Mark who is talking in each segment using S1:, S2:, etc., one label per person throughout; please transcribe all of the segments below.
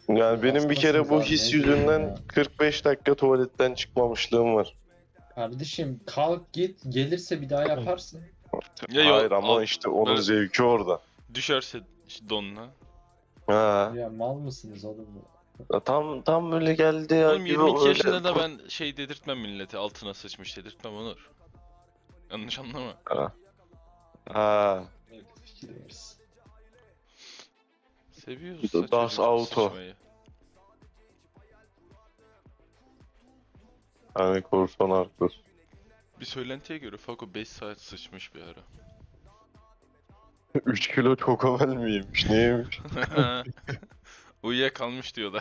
S1: Yani benim bir kere bu his yüzünden 45 dakika tuvaletten çıkmamışlığım var.
S2: Kardeşim kalk git, gelirse bir daha yaparsın.
S3: Ya
S1: Hayır ama işte onun
S3: böyle
S1: zevki orada.
S3: düşerse işte donuna.
S1: Ha.
S2: Ya mal mısınız oğlum?
S1: Tam böyle geldi ya
S3: Oğlum
S1: gibi
S3: 22
S1: öyle.
S3: yaşında da ben şey dedirtmem millete, altına sıçmış dedirtmem Onur. Yanlış anlama.
S1: Ha. Ha.
S2: Fikir versin.
S3: Seviyorsa
S1: Das
S3: çocuk
S1: Auto.
S3: sıçmayı.
S1: Hani korsan Arkus.
S3: Bir söylentiye göre Fako 5 saat sıçmış bir ara.
S1: 3 kilo çokomel miymiş neymiş?
S3: Uyuyakalmış diyorlar.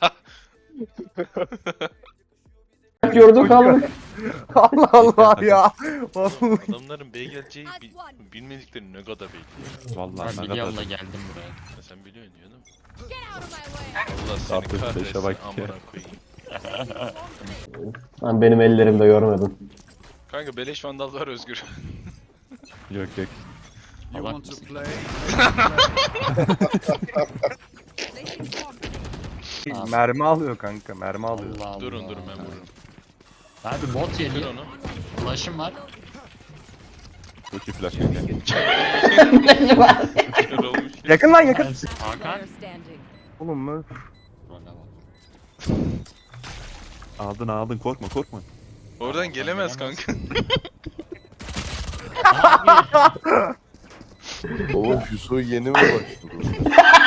S4: Gördük kaldık. Allah Allah ya.
S3: Adamların B geleceği bilmedikleri ne kadar belli.
S5: Vallahi
S6: Ben
S5: ne
S6: biliyorum da
S5: kadar.
S6: geldim buraya.
S3: Ya sen biliyorsun diyor değil mi? Allah seni
S5: Artık beşe
S3: kahretsin
S5: bak ya.
S3: amına koyayım.
S4: Ben benim ellerimde görmedim.
S3: Kanka beleş vandal var Özgür.
S5: Yok yok.
S6: Salak mısın? Abi.
S4: Mermi alıyor kanka, mermi alıyor.
S6: Allah Allah.
S3: Durun ben vururum.
S6: Abi bot
S3: Kır
S6: geliyor.
S3: onu.
S6: Ulaşım var.
S5: Çok iyi flash kanka.
S3: Kör olmuş.
S4: Yakın lan yakın.
S6: Hakan.
S4: Oğlum mu?
S5: Aldın korkma korkma.
S3: Oradan gelemez kanka.
S6: Abi.
S1: Oğlum Hüso yeni mi başladı?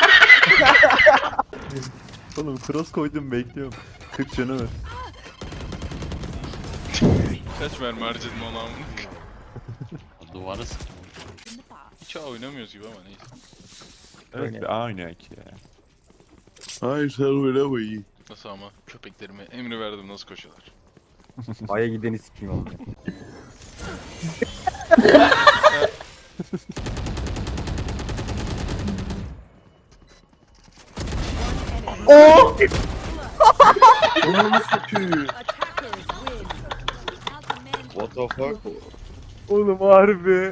S5: Oğlum cross koydum bekliyorum. 40 canı var.
S3: Kaç mermi harcadın ona amına.
S6: Duvara sıktım.
S3: Hiç oynamıyoruz gibi ama neyse.
S5: Evet bir A oynuyor ki ya.
S1: Hayır sen öyle iyi.
S3: Nasıl ama köpeklerime emri verdim nasıl koşuyorlar.
S4: Aya gideni sikeyim oğlum. Oo!
S1: Onu satıyor. What the fuck?
S4: Oğlum harbi.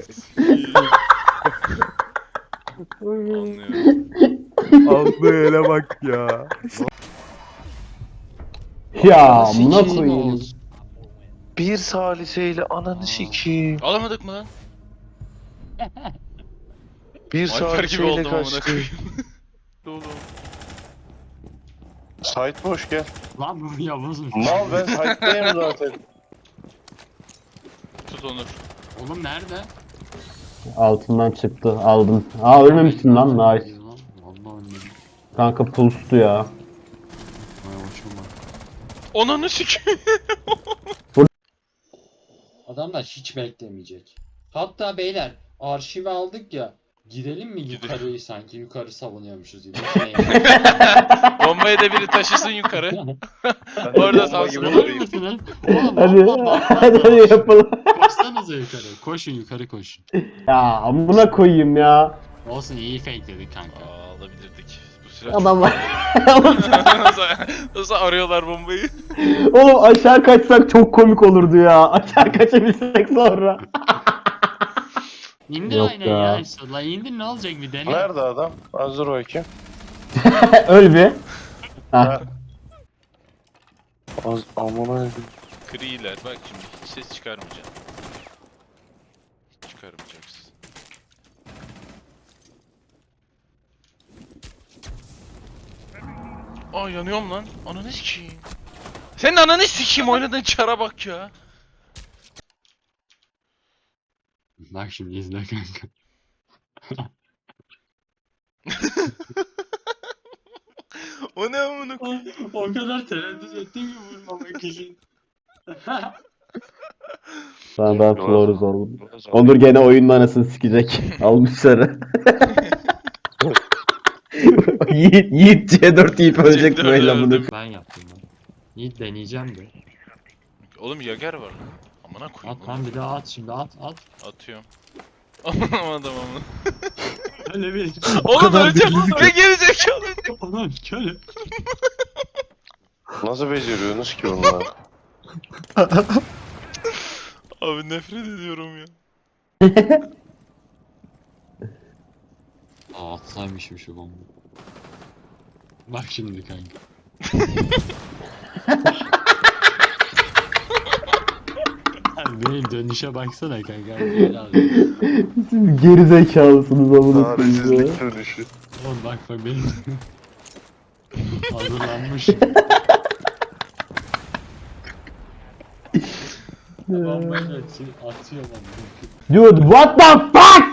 S3: Anlıyorum.
S4: Aldığı ele bak ya.
S2: Ya
S4: amına
S2: koyayım.
S1: Bir saliseyle ananı sikeyim.
S3: Alamadık mı lan?
S1: Bir
S3: Alper gibi
S1: saliseyle
S3: oldum amına
S1: kaçtı.
S3: koyayım. Dolu.
S1: Site boş gel.
S6: Lan bu Yavuz'muş.
S1: Mal ben site'dayım zaten.
S3: Tut Onur.
S6: Oğlum nerede?
S4: Altından çıktı, aldım. Aa ölmemişsin lan, nice.
S6: Vallahi ölmedim.
S4: Kanka pulstu ya.
S6: Vay hoşuma.
S3: Onanı sikeyim.
S2: Adamlar hiç beklemeyecek. Hatta beyler arşivi aldık ya. Gidelim mi yukarıyı sanki yukarı savunuyormuşuz gibi. Şey,
S3: Bombayı da biri taşısın yukarı. Orada
S1: Bomba
S3: sansın.
S1: gibi
S3: Olur
S1: durayım.
S6: Mısınız? Oğlum
S4: Hadi, hadi yapalım.
S6: Koşsanıza yukarı. Koşun yukarı koşun.
S4: Ya amına koyayım ya.
S6: Olsun iyi fake dedik kanka.
S3: Aa, alabilirdik. Bu süreç.
S4: Adam var.
S3: Nasıl arıyorlar bombayı?
S4: Oğlum aşağı kaçsak çok komik olurdu ya. Aşağı kaçabilsek sonra.
S6: İndir
S4: Yok
S6: aynen
S4: ya.
S6: ya işte. La indir ne olacak bir dene.
S1: Nerede adam? Hazır bakayım.
S4: Öl bir. Ha.
S1: Amına
S3: Kriler bak şimdi hiç ses çıkarmayacağım. Hiç çıkarmayacaksın. Aa yanıyorum lan. Ananı sikeyim. Senin ananı sikeyim oynadığın çara bak ya.
S6: Bak şimdi izle kanka.
S3: O ne amına koyayım?
S6: O kadar tereddüt ettim ki vurmamak için.
S4: Ben floruz oldum. Onur gene oyunun anasını sikecek. Almışları. Yiğit C4 yiyip ölecek
S3: C4
S4: böyle amına.
S3: öldüm.
S6: Ben yaptım ben. İyi deneyeceğim de.
S3: Oğlum Yager var lan. Amına koyayım.
S6: At lan bir daha at şimdi at.
S3: Atıyorum. Anlamadım ama.
S6: Öyle bir.
S3: Oğlum öleceğim. Ne gerizekalı.
S6: Ulan köle.
S1: Nasıl beceriyorsunuz ki onları?
S3: Abi nefret ediyorum ya.
S6: Aa atsaymışım şu bomba. Bak şimdi kanka. Abi benim dönüşe baksana kanka. Böyle abi.
S4: Siz gerizekalısınız amına koyayım ya.
S1: Çaresizlik dönüşü.
S6: Oğlum bak benim. Hazırlanmışım. Bombayla atıyorum onu.
S4: Dude what the fuck?